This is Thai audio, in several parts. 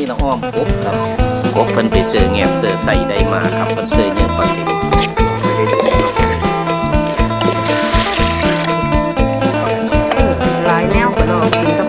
น้องอ้อมกบครับกบเพิ่นไปเสือแงบเสือใส่ได้มาครับเพิ่นเสือเยอะกว่าเด็กหลายแนวก็ลองกินกับ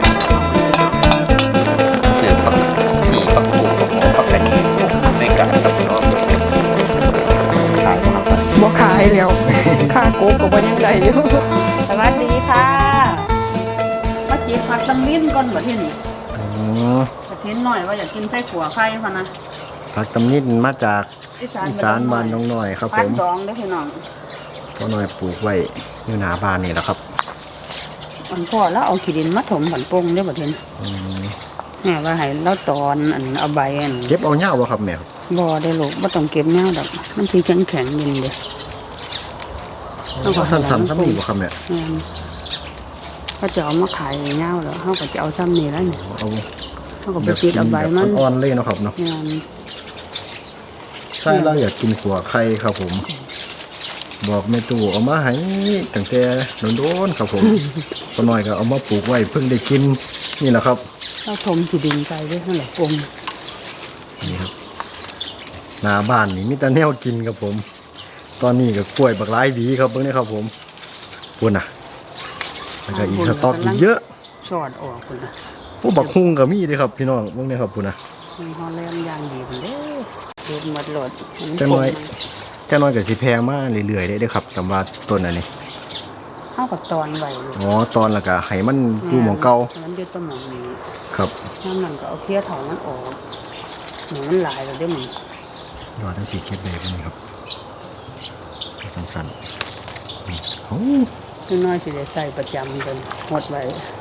เสือปักสีปักกูปักหมูปักกระดิ่งในการกับน้องขายครับบ่ขายแล้วค่าโกก็บ่ยังได้อยู่สวัสดีค่ะมาจีบผักตำลิ้นก่อนบ่ที่นี่จะเห็นหน่อยว่าอยากกินไส้ขัวไข่พะนะผักตำนิดมาจากอีสานบ้านน้องน้อยครับผมสองได้อพี่น้องพ่อน้อยปลูกไว้อยู่หน้าบ้านนี่แหละครับมันพอแล้วเอาขี้ดินมาถมผันปงได้อบ่เห็นแม่ว่าให้เราตอนอันเอาใบอันเก็บเอาเหย้าบ่ครับแม่ครับบ่ได้ลูกบ่ต้องเก็บแนวดอกมันสิแข็งๆเย็นเด้เอาสั้นๆซ้ำนี่บ่ครับแม่เขาจะเอามาขายเงาแล้วเขาก็จะเอาซ้ำนี่แล้วเนี่ยเอาเขาก็ไปติดเอาใบมันอ่อนๆเลยเนาะครับเนาะงานใช่เราอยากกินขัวไข่ครับผม บอกแม่ตู่เอามาให้ตั้งแต่โดนๆครับผมพ่อน้อยก็เอามาปลูกไว้เพิ่งได้กินนี่แหละครับเราถมที่ดินไปด้วยข้างหลังกงนี่ครับหน้าบ้านนี่มีแต่แนวกินครับผม ตอนนี้ก็กล้วยบักหลายดีครับเบิ่งนี่ครับผมพุ่นน่ะแล้วก็อีกสต๊อกอีกเยอะชอดออกคนละผู้บักฮุงก็มีเด้ครับพี่น้องเบิ่งนี่ครับพุ่นน่ะมีฮอลแลนด์ยางดีคนเด้อเด็ดหมดโหลดจังน้อยก็สิแพงมาเรื่อยๆได้ครับสำหรับต้นอันนี้เข้ากับตอนใบลูกอ๋อตอนแล้วก็ให้มันอยู่หม่องเก่ามันเด็ดต้นหมองนี้ครับน้ำมันก็เอาเคี้ยวถอนมันออกเหมือนมันหลายแล้วเด้อมึงยอดทั้ง4เข็ดเลยพวกนี้ครับสั้นๆนี่โอ้คือน้อยสิได้ใส่ประจำกันหมดไว้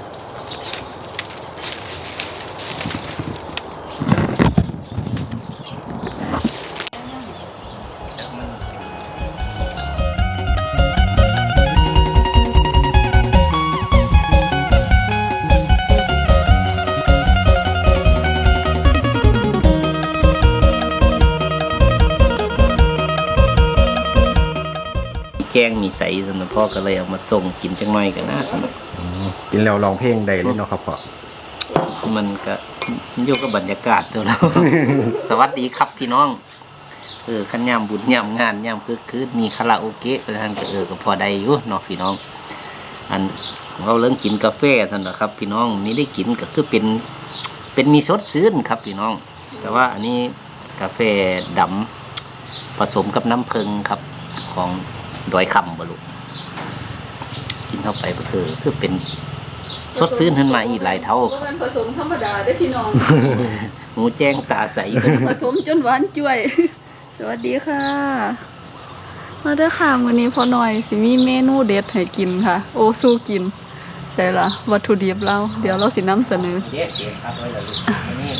แกงมีใสสำหรับพ่อก็เลยเอามาส่งกินจังหน่อยกันนะสำหรับกินแล้วร้องเพลงได้เลยเนาะครับพ่อมันก็อยู่กับบรรยากาศตัวเรา สวัสดีครับพี่น้องขันยามบุญยามงานยามคือมีคาราโอเกะประธานก็ก็พอได้อยู่เนาะพี่น้องอันเราเริ่มกินกาแฟท่านนะครับ พี่น้องนี่ได้กินก็คือเป็นมีสดซื่นครับพี่น้อง แต่ว่าอันนี้กาแฟดำผสมกับน้ำผึ้งครับของดอยคำบลุกินเข้าไปก็คือเป็นสดซื่นขึ้นมาอีกหลายเท่ามันผสมธรรมดาได้พี่น้องหมูแจ้งตาใสผสมจนหวานจ้วย สวัสดีค่ะมาเด้อค่ะวันนี้พอหน่อยสิมีเมนูเด็ดให้กินค่ะ โอ้สู้กินใช่ละวัตถุดิบเราเดี๋ยวเราสินำเสนอเด็ดครับไว้ละลูกอันนี้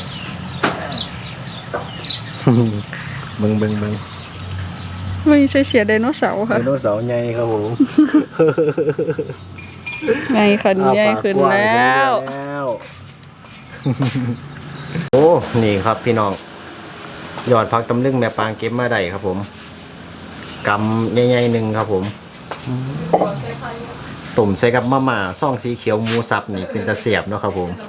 เบิ่งไม่ใช่เสียไดโนเสาร์ค่ะไดโนเสาร์ใหญ่ครับผมไงขันใหญ่ขึ้นแล้วโอ้นี่ครับพี่น้องยอดพักตำลึงแม่ปางเก็บมาได้ครับผมกำใหญ่ๆหนึ่งครับผมตุ่มใส่กับมะม่าซ่องสีเขียวหมูสับนี่เป็นตะเสียบเนาะครับผม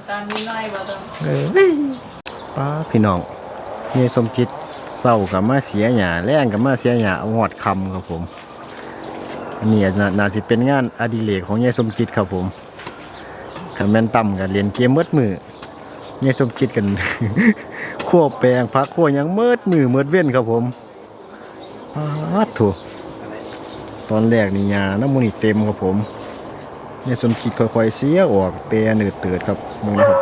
ป้าพี่น้องนี่สมคิดเศร้ากับมาเสียหยาแรงกับมาเสียหยาเอาหอดคำครับผมอันนี้น่าจะเป็นงานอดิเรกของยายสมคิดครับผมขันแม่นต่ำกันเรียนเกมมืดมือยายสมคิดกัน ขั้วแปลงพักขั้วยังมืดมือมืดเว้นครับผมถูกตอนแรกนี่ยาน้ำมันเต็มครับผมยายสมคิดค่อยๆเสียออกแปรเนืดเตือดครับมึงนะครับ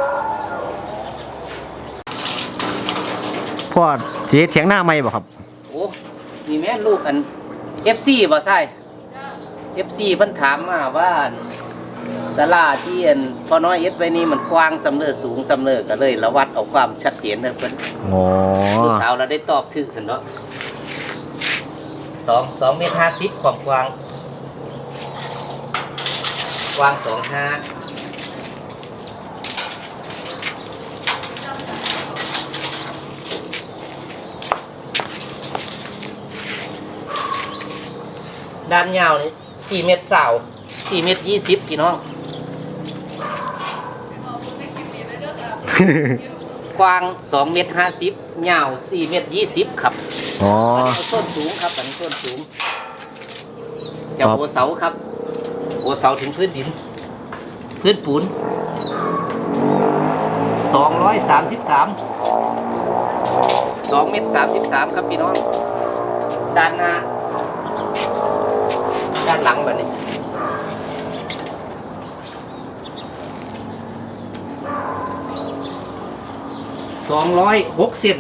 พ่อเสียเถียงหน้าไม่บ่ครับโอ้มีแม่ลูกอัน FC บ่ใช่ FC เพิ่นถามมาว่าศาลาที่อันพอน้อยเอ็ดไว้นี่มันกว้างสำเร็จสูงสำเร็จก็เลยระวัดเอาความชัดเจนเด้อเพิ่นอ๋อลูกสาวเราได้ตอบถึกซั่นเนาะ2 เมตร 50ความกว้าง2.5ด้านยาวนี่4 เมตร4 เมตร 20พี่น้องกว้าง2 เมตร 50ยาว4 เมตร 20ครับอ๋อส้นสูงครับอันนี้ส้นสูงจากครับหัวเสาครับหัวเสาถึงพื้นดิน พื้นปูน233 2 เมตร 33ครับพี่น้องด้านหน้าด้านหลังแบบนี้206 เซน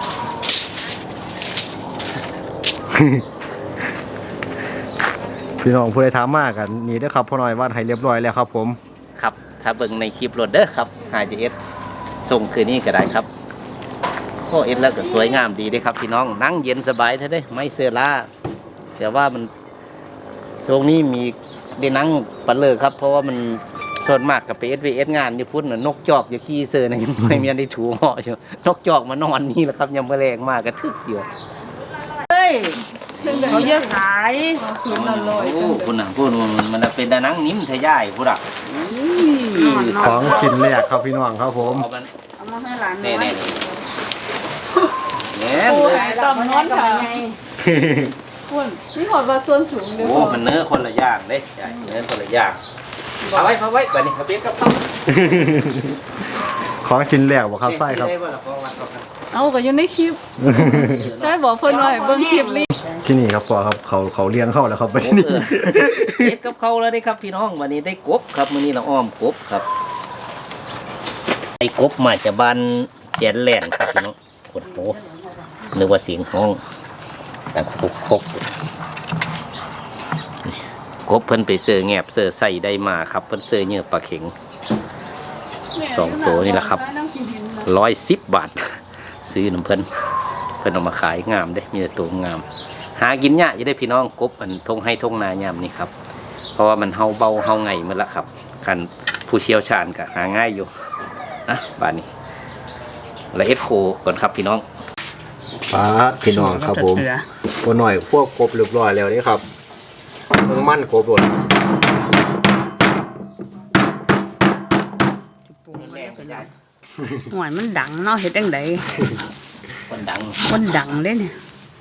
พี่น้องผู้ใดถามมากกันนี่เด้อครับพ่อน้อยวาดให้เรียบร้อยแล้วครับผมครับถ้าเบิ่งในคลิปรถเด้อครับหาจะเอสส่งคืนนี้ก็ได้ครับโอ้เอสแล้วก็สวยงามดีเด้ครับพี่น้องนั่งเย็นสบายเท่าได้ไม่เสื้อล่าแต่ว่ามันทรงนี้มีได้นั่งปันเลยครับ เพราะว่ามันส่วนมากกับไปเอสงานอยู่พุ่นน่ะนกจอกอยู่ขี้เสื้อนะยังไม่มีอันได้ถูเหาะอยู่นกจอกมานอนนี่แหละครับยังไม่แรงมากกระทึกอยู่เขาเยอะขายคืนละร้อยโอ้คุณน่ะพูดมันเป็นดานังนิ่มทะยายพูดอ่ะของชิ้นแรกครับพี่น้องครับผมเอามันเอามาให้หลานแน่น้อยๆเนี่ยโอ้เลยยต่ำนอนค่ะคุณนี่หอดว่าส่วนสูงเด้อโอ้มันเนื้อคนละอย่างเด้ใช่เนื้อคนละอย่างเอาไว้แบบนี้เขาเปียกกับเขาของชิ้นแรกบ่ครับไส้ครับได้ว่าเราพอวัดเขากันเอาก็อยู่ในคลิปใช่บอกเพิ่นว่าให้เบิ่งคลิปลิที่นี่ครับพ่อครับเขาเลี้ยงเข้าแล้วครับไปโอ้นี่เฮ็ดกับเขาแล้วได้ครับพี่น้องวันนี้ได้กบครับวันนี้เราอ้อมกบครับไอ้กบมาจากบ้านแจนแหลนครับพี่น้องโอ้โหนึกว่าเสียงห้องแต่คกกบเพิ่นไปเสือแงบเสือใส่ได้มาครับเพิ่นเสือเนื้อปลาเข็ง 2 ตัวนี่แหละครับ110 บาท ซื้อน้ำเพิ่นเอามาขายงามเด้มีแต่ตัวงาม หากินยากจะได้พี่น้องกบอันทงให้ทงนายามนี่ครับ เพราะว่ามันเฮาเบาเฮาไงหมันละครับคันผู้เชี่ยวชาญก็หาง่ายอยู่นะบ้านนี้ละเอ็ดโคก่อนครับพี่น้องป้าดพี่น้องครับผมตัวหน่อยพวกกบเรียบร้อยแล้วนี่ครับเพิ่งมั่นกบหมดหวยมันดังเนาะเฮ็ดจังไดคนดังคนดังเด้เนี่ย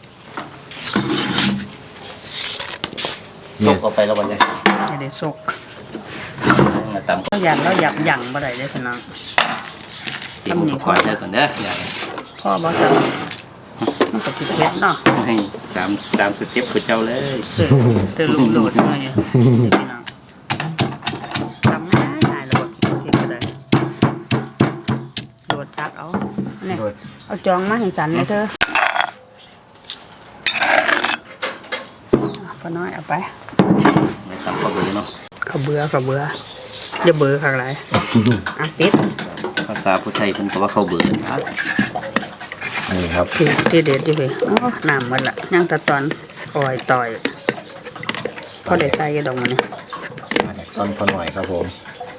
ส่งออกไปแล้ววันนี้จะได้สกมาตำเราอยากหยั่งบ่ได้เด้อพี่น้องเตรียมอุปกรณ์เด้อก่อนเด้ออย่าพ่อบ่จะมันก็สิเฮ็ดเนาะให้ตามสเต็ปของเจ้าเลยเตอลูกโดดมาอยู่พี่น้องทำง่ายๆเลยบ่เฮ็ดก็ได้โดดจักเอาเนี่ยเอาจองมาให้ฉันเลยเธอพ่อน้อยเอาไปไม่ตำข้าวเบื่อเนาะเขาเบื่ออย่าเบื่อข้างไรอ่ะปิดภาษาผู้ไทยเพิ่นก็ว่าข้าวเบื่อนะนี่ครับที่เด็ดอยู่เลยโอ้น้ำมันละย่างตะตอนอ่อยต่อยพอได้ใส่กระดองมันนี่ตอนพอหน่อยครับผม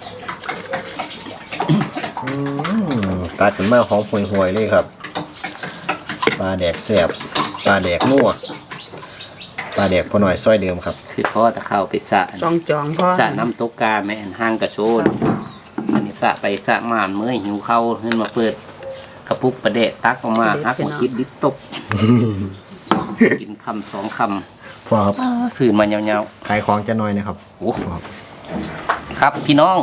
ตัดกันมาหอมห่วยๆเลยครับปลาแดกแสบปลาแดกนัวปลาแดกพอหน่อยซอยเดิมครับคือพ่อตะเข้าไปสระต้องจองพ่อสระน้ำตกกาแม่นห้างกระโชนอันนี้สระไปสระมาเมื่อยหิวเข้าขึ้นมาเปิดกระปุกประเดะตักออกมาฮักมาคิดดิบตกกินคำ2 คพอครับำผืนมายาวขายของจะน้อยนะครับๆโอ้ครับพี่น้อง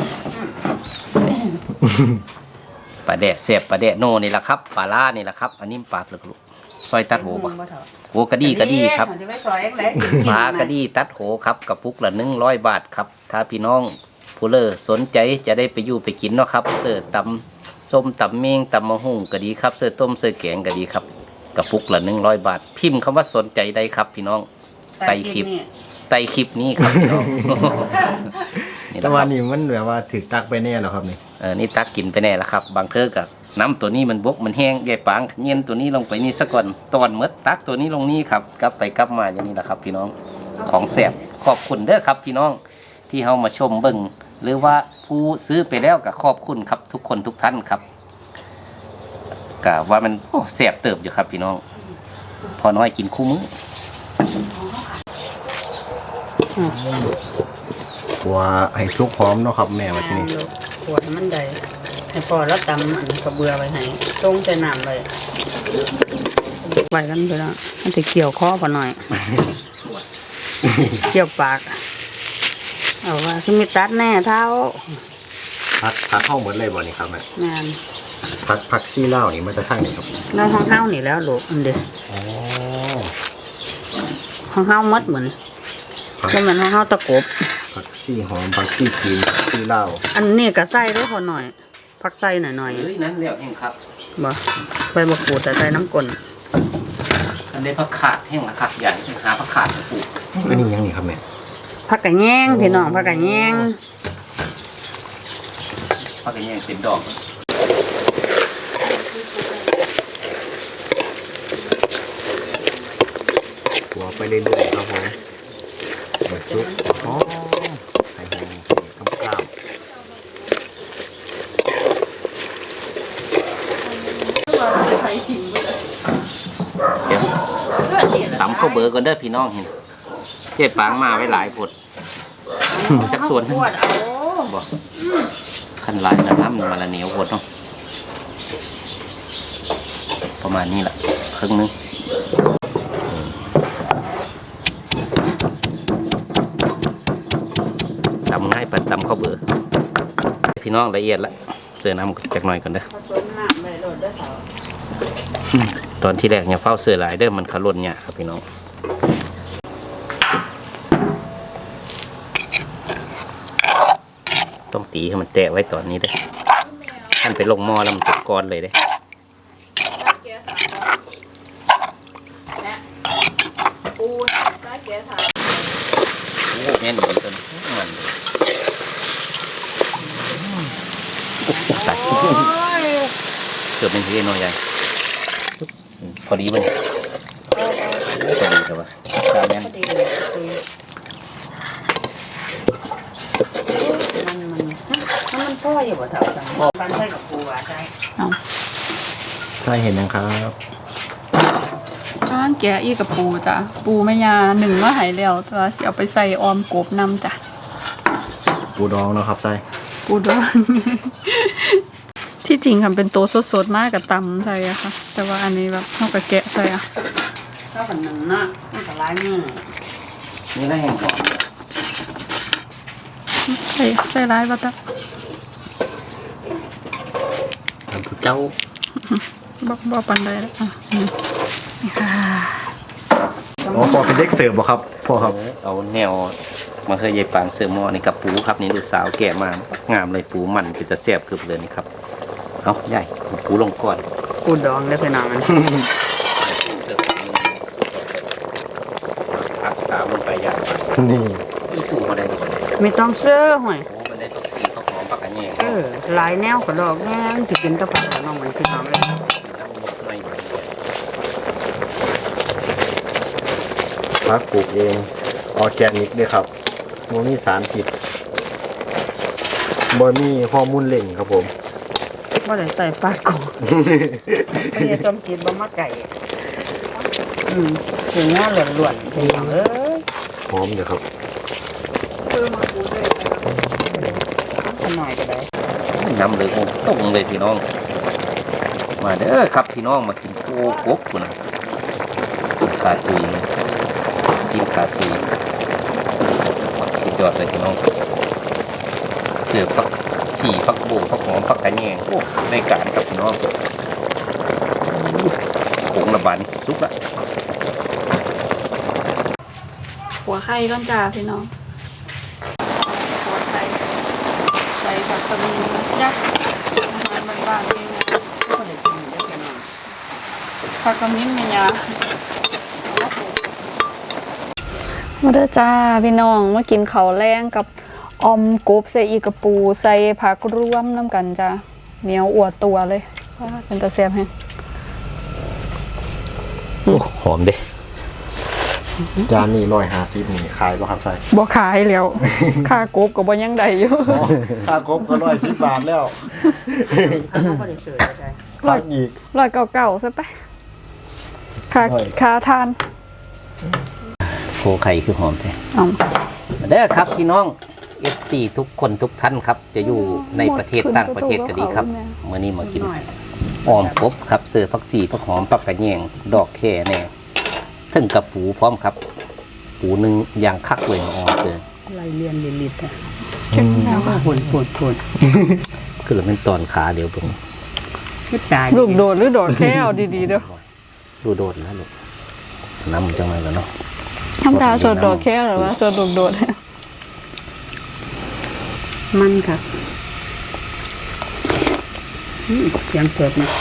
ปลาแดะเสียบปลาแดะโน่นี่แหละครับปลาล่านี่แหละครับ อันนี้ปลาเปลือกลูกซอยตัดโหบ่โหกระดีครับจะไม่ซอยเล็กปลากระดีตัดโหครับกระปุกละ100 บาทครับ ถ้าพี่น้องผู้เลอสนใจจะได้ไปอยู่ไปกินเนาะครับเสิร์ฟตำส้มตำเมงตำมะฮุ่งก็ดีครับเสิร์ฟต้มเสิร์ฟแกงก็ดีครับกระปุกละ100 บาท พิมพ์คำว่าสนใจได้ครับพี่น้องไต่คลิปนี้ครับพี่น้อง นี่แหแต่ละคว่ารับนี่มันแบบว่าถือตักไปแน่แล้วครับนี่นี่ตักกินไปแน่ละครับ บางเทอกับน้ำตัวนี้มันบกมันแห้งใหญ่ปางเย็นตัวนี้ลงไปนี่ซะก่อนตอนเมดตักตัวนี้ลงนี่ครับกลับไปกลับมาอย่างนี้แหละครับ พี่น้องของแสบขอบคุณเด้อครับ พี่น้องที่เฮามาชมเบิ่งหรือว่าผู้ซื้อไปแล้วก็ขอบคุณครับทุกคนทุกท่านครับกะว่ามันแสบเติบอยู่ครับ พี่น้องพอน้อยกินคู่มื้อตัวให้สุกพร้อมเนาะครับแม่ว่าที่นี่ขวดมันได้ให้ให้พอแล้วตำอันกระเบือไว้ให้ต้งใส่น้ำไว้ไว้กันไปแล้วมันจะเกี่ยวคอพอหน่อย เกี่ยวปากเอาว่าคือมีตัดแน่เท้าพักห้องหมดเลยบ่นี่ครับแม่งานพักซี่เหล้านี่มันจะทั้งไหนครับแล้วห้องเท้านี่แล้วลูกอันเดียวอ๋อห้องเท้ามัดเหมือนก็เหมือนห้องเท้าตะกบพักซี่หอมพักซี่จีนพักซี่เหล้าอันนี้ก็ใส่ด้วยพอหน่อยพักใส่หน่อยเฮ้ยนั้นแล้วเองครับๆบ่ใส่บะกรูดแต่ใส่น้ำกลนอันนี้ผักขาดแห้งละครับใหญ่หาผักขาดมาปลูกอันนี้ยังนี่ครับแม่ผักกะแยงพี่น้องผักกะแยงผักกระเนียงเป็นดอกหัวไปเรื่อยๆครับผมเปิดซุปอ๋อใส่หอมข้าวกล้ามเดี๋ยวตำข้าวเบอร์ก่อนเด้อพี่น้องเห็นเจ๊ปางมาไว้หลายผดจักส่วนขวดเอาบ่ขั้นหลายแล้วน้ำมันมาละเหนียวผดเนาะประมาณนี้แหละครึ่งนึงตำง่ายปัดตำข้าวเบอร์พี่น้องละเอียดละเสือน้ำจากหน่อยก่อนเด้อผสมน้ำเลยโดดเด้อเถาตอนที่แรกเนี่ยเฝ้าเสือหลายเด้อมันขลุ่นเนี่ยครับพี่น้องต้องตีให้มันแตะไว้ตอนนี้เด้อท่านไปลงหม้อแล้วมันตกก้อนเลยเด้อโอ้แม่นดีต้นมันเกือบเป็นทีน้อยใหญ่พอดีมันพอดีครับว่าตามแม่นมันพ่ออยู่บ่เถาจังบ้านใช่กับครูว่าใช่ใช่เห็นนะครับข้างแกะอีกับปูจ้ะปูแม่ยาหนึ่งมาใหายแล้วตัวสิเอาไปใส่ออมกบนำจ้ะปูดองเนาะครับใช่ปูดอง ที่จริงทำเป็นโตสดๆมากกับตำใส่อะค่ะ แต่ว่าอันนี้แบบเท่ากับแกะใส่อะถ้าเป็นหนึ่งนะมันก็ร้ายมือนี่น่าแห้งก่อนใส่ร้ายบัตรทำผู้เจ้าบ่ปันได้แล้วอ่ะนี่ค่ะอ๋อพอเป็นเด็กเสิร์ฟบ่ครับพ่อครับเอาแนวมาเคยยายปางเสือหม้อนี่กับปูครับนี่ลูกสาวแก่มางามเลยปูมันคือจะแซ่บคือเลยนี่ครับเอาใหญ่ปูลงก่อนกูดองได้พี่น้องมันเสิร์ฟพักสามลงไปอย่างนี่ที่ปูมาได้ไม่ต้องเสื้อห่วยโอ้มันได้ต้องสีข้าวหอมปักกระเนียงหลายแนวก็ดอกแง่ที่กินตะผักน้องมันพี่น้องเลยไม่พักปลูกเองออร์แกนิกด้วยครับโมมีสารพิษบ่มีฮอร์โมนเล่งครับผมว่าได้ใส่ฟาดกูไอ้จอมกินบ่มาไก่ถึงหน้าหล่วนๆพี่น้องเอ้ยหอมอยู่ครับหน่อยก็ได้น้ำเลยโอ้ต้มเลยพี่น้อง มาเด้อครับพี่น้องมากินโก้กบนะขาตุยซีนขาตุยสุดยอดเลยพี่น้องเสือปักสี่ปักโบปักหอมปักกระแยงโอ้ในการกับพี่น้องผงระบาดนี่สุกละหัวไข่ก้อนจ่าพี่น้องหัวไข่ใส่ผักกระเทียมจ้ะอาหารบ้านๆเองนะก็ได้กินได้พี่น้องผักกระมิ้นแม่ยามาเด้อจ้าพี่น้องมากินข้าวแรงกับออมกบใส่อีกระปูใส่ผักรวมน้ำกันจ้าเหนียวอวดตัวเลยว่าเป็นตะเสียบแฮงโอ้หอมเด้จานนี้150นี่ขายป่ะครับใช่บ่ขายแล้ว ค่ากบก็บ่ยังได้อยู่ค่ากบก็110 บาทแล้วเขาก็ได้เสิร์ฟได้พักอีก 199ซะไปค่าทานโคไข่คือหอมแท้เอามาเด้อครับพี่น้อง FC ทุกคนทุกท่านครับ จะอยู่ในประเทศต่างประเทศก็ดีครับเมื่อนี้มากินออมกบครับเสือผักสีผักหอมผักกระแยงดอกแค่แน่ถึงกับปูพร้อมครับ ปูหนึ่งอย่างคักเลยมาออมเสือไล่เลียนลิดๆอ่ะเข้มแล้วโผล่คือเราเป็นตอนขาเดียวตรงไม่ตายลูกโดดหรือโดดแค่เอาดีๆเด้อดูโดดนะลูกน้ำมันจังเลยกันเนาะธรรมดาสดโดดแค่หรือว่าสดลูกโดดมันค่ะเสียงเปิดนะ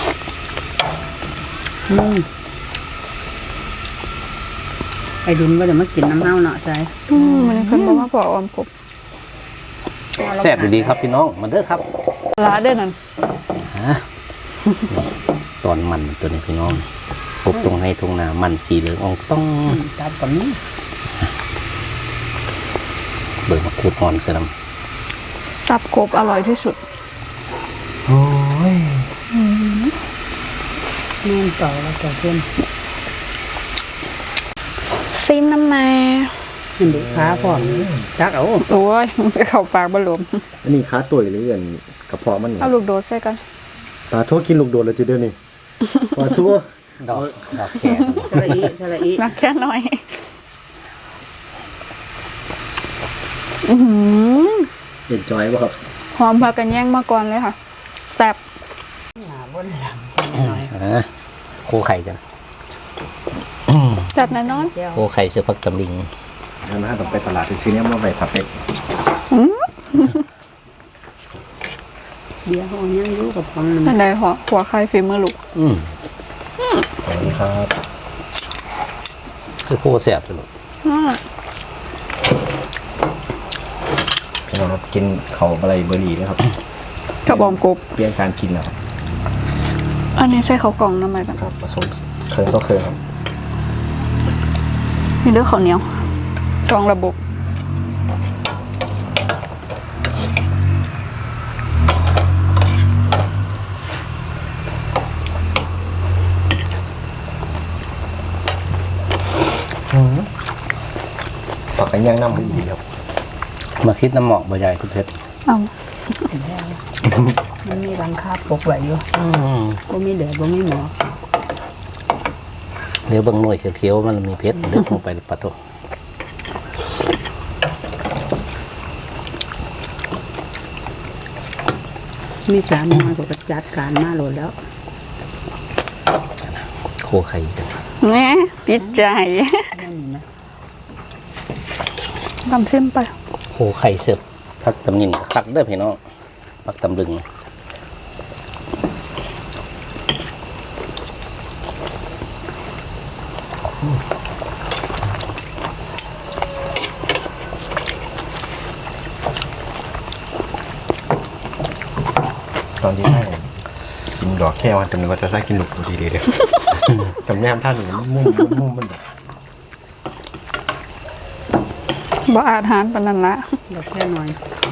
ไอ้ดินว่าจะมากินน้ำเน่าเนาะใจมันเพิ่นบอกว่าพอออมกบแซ่บดีครับพี่น้องมาเด้อครับลาเด้อนั่นฮะตอนมันตัวนี้พี่น้องกบตรงให้ตรงหนามันสีเหลืองอองต้องตัดกับนี้เบิกมาขูดอ่อนเสียลตับกบอร่อยที่สุดำโอ้ยนู่นต่อแล้วต่อเพื่อนซิมน้ำแม่มันเด็กขาพร้อมจักเอาโอ้ยมันจะเข้าปากบ่หลมอันนี้ขาตัวหรืออันกระเพาะมันนี่เอาลูกโดดใส่กันปลาทั่วกินลูกโดดเลยทีเดียวนี่ปลาทั่วดอกแขนสละอีนักแค่น้อยอื้อหือเห็นจอยป่ะครับหอมผักกันแย่งมาก่อนเลยค่ะแซ่บโคไข่จังแซ่บแน่นอนโคไข่เสือพักตำลิงอันนั้นต้องไปตลาดไปซื้อเนี่ยมาไปผัดเป็ดเดี๋ยวเขายังอยู่กับฟังมันอันใดหัวไข่ฝีมือลูกสวัสดีครับคือโคแซ่บสุดพี่น้องครับกินเขาอะไรเบอร์รี่นะครับกระบอมกบเปลี่ยนการกินแล้วอันนี้ใส่ข้าวกล่องน้ำมันกันครับผสมเคยก็เคยครับมีเลือดข้าวเหนียวสองระบบผักกันย่างน้ำมันดีครับมาคิดน้ำหมอกใบใหญ่คุณเพชรเอามันมีรังคาปกไว้อยู่ก็มีเดือดก็มีหมอเดี๋ยวบางหน่วยเขียวๆมันมีเพชรเลือกลงไปปะโตมีการมาก็จัดการมาโหลดแล้วโคไข่จังแหม่ติดใจนั่นนี่นะทำเส้นไปโคไข่เสือพักตำลิงคักเด้อพี่น้องพักตำลึงตอนที่ให้กินดอกแค่วันจำเลยว่าจะใช้กินลูกดีเลยจำแนมท่านหนึ่งมุ่มมันแบบบ่อาหารปานนั้นละเดี๋ยวแค่หน่อย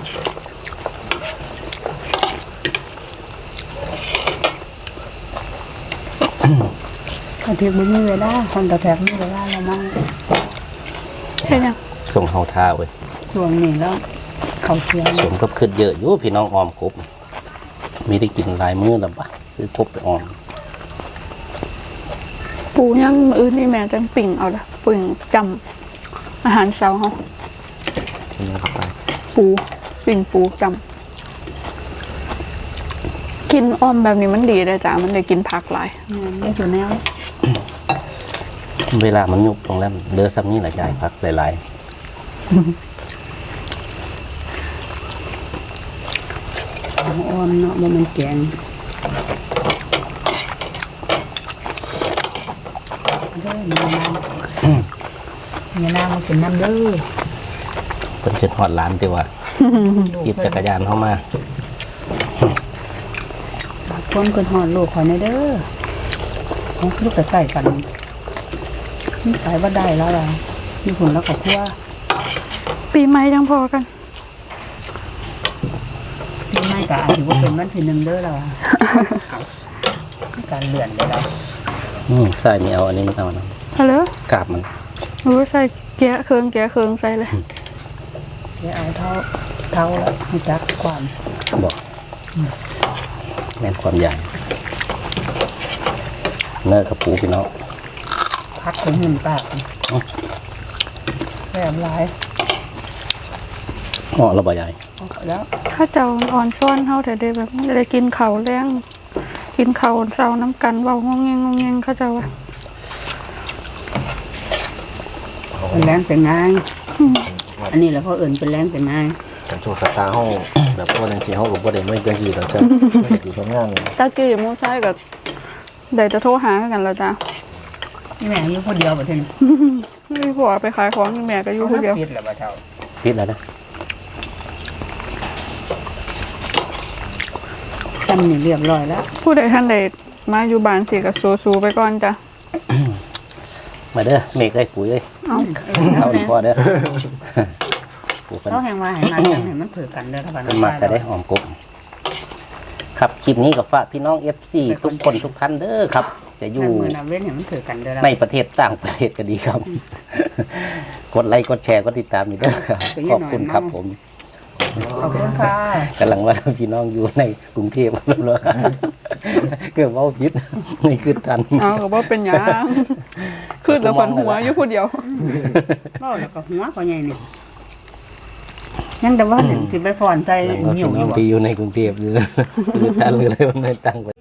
กระเทียมไม่มีเวลาคนกระแทกไม่มีเวลาเรามั่งใช่ยังส่งเฮาท่าเว้ยช่วงนี้แล้วเขาเสียสมกับขึ้นเยอะอยู่พี่น้องออมกบมีได้กินหลายมื้อแล้วปะซื้อกบไปออมปูยังมื้ออื่นนี่แม่จังปิ่งเอาละปิ่งจำอาหารเช้าเฮากินนะครับไปปูปิ่งปูจำกินอ้อมแบบนี้มันดีเลยจ้ะมันได้กินผักหลายไม่ถูกแนวเวลามันยุบลงแล้วเหลือซ้ำนี้แหละยายพักหลายอ่อนเนาะมันแกงเด้อมีน้ำมากินน้ำเด้อๆเป็นเจ็ดหอดล้านดีว่าหยิบจักรยานเข้ามาคนคนหอดลูกขอในเด้อของลูกใกล้ๆกันนี่ขายว่าได้แล้วล่ะมีผลแล้วกับคั่วปีใหม่ยังพอกันที่ไม่กะถือว่าเป็นวันที่หนึ่งเด้อแล้วอะการเลื่อนเลยแล้วใส่ไม่เอาอันนี้ไม่เอานะฮัลโหลกาบมันรู้ใส่แกะเครื่องใส่เลยเดี๋ยวเอาเท่าเท่าแล้วให้จักความบอกแม่นความใหญ่เนื้อกระปูพี่น้องพักถึงหนึ่งปากแบบหลายอ๋อระบายใหญ่เอาแล้วข้าเจ้าอ่อนซ้อนเฮาแต่ได้แบบได้กินข้าวแรงกินข้าวเช้าน้ำกันเว้างงแงงงงแงงข้าเจ้าว่าเป็นแรงเป็นง่ายอันนี้แหละเขาเอิ่นเป็นแรงเป็นง่ายกันโชว์สตาร์ห้องแบบว่าจังซี่เฮาก็บ่ได้ไม่จังซี่ดอกจ้ะไม่ได้อยู่ทำงานตะกี้หมู่ชายก็ได้จะโทรหากันแล้วจ้ะนี่แม่อยู่คนเดียวบ่เท่นมีผัวไปขายของแม่ก็อยู่คนเดียวปิดแล้วบ่เท่าพิษแล้วนะจำนี่เรียบร้อยแล้วผู้ใดท่านใดมาอยู่บ้านสิก็สู้ๆไปก่อนจ้ะมาเด้อเมฆเอ้ยปุ๋ยเอ้ยเอาเข้าดีพอเด้อปู่เพิ่นเขาแห่งว่าให้มันให้มันเผือกันเด้อถ้าบ้านเพิ่นมาแต่ได้หอมกบครับคลิปนี้ก็ฝากพี่น้อง FC ทุกคนทุกท่านเด้อครับ จะอยู่มือนาเว้นให้มันเผือกันเด้อในประเทศต่างประเทศก็ดีครับ กดไลค์กดแชร์กดติดตามนี่เด้อครับขอบคุณครับผมขอบคุณค่ะกำลังว่าพี่น้องอยู่ในกรุงเทพแล้วเลยเกือบเว่าพิษนี่คือทันเอาก็บ่เป็นหยังคือแล้วคนหัวอยู่ผู้เดียวเว้าแล้วก็หัวก็ใหญ่นี่ยังแต่ว่าสิไปฟ้อนใจแล้วก็หิวพี่อน้องยู่ที่อยู่ในกรุงเทพอยู่คือทันเลยเลยมันไม่ตั้ง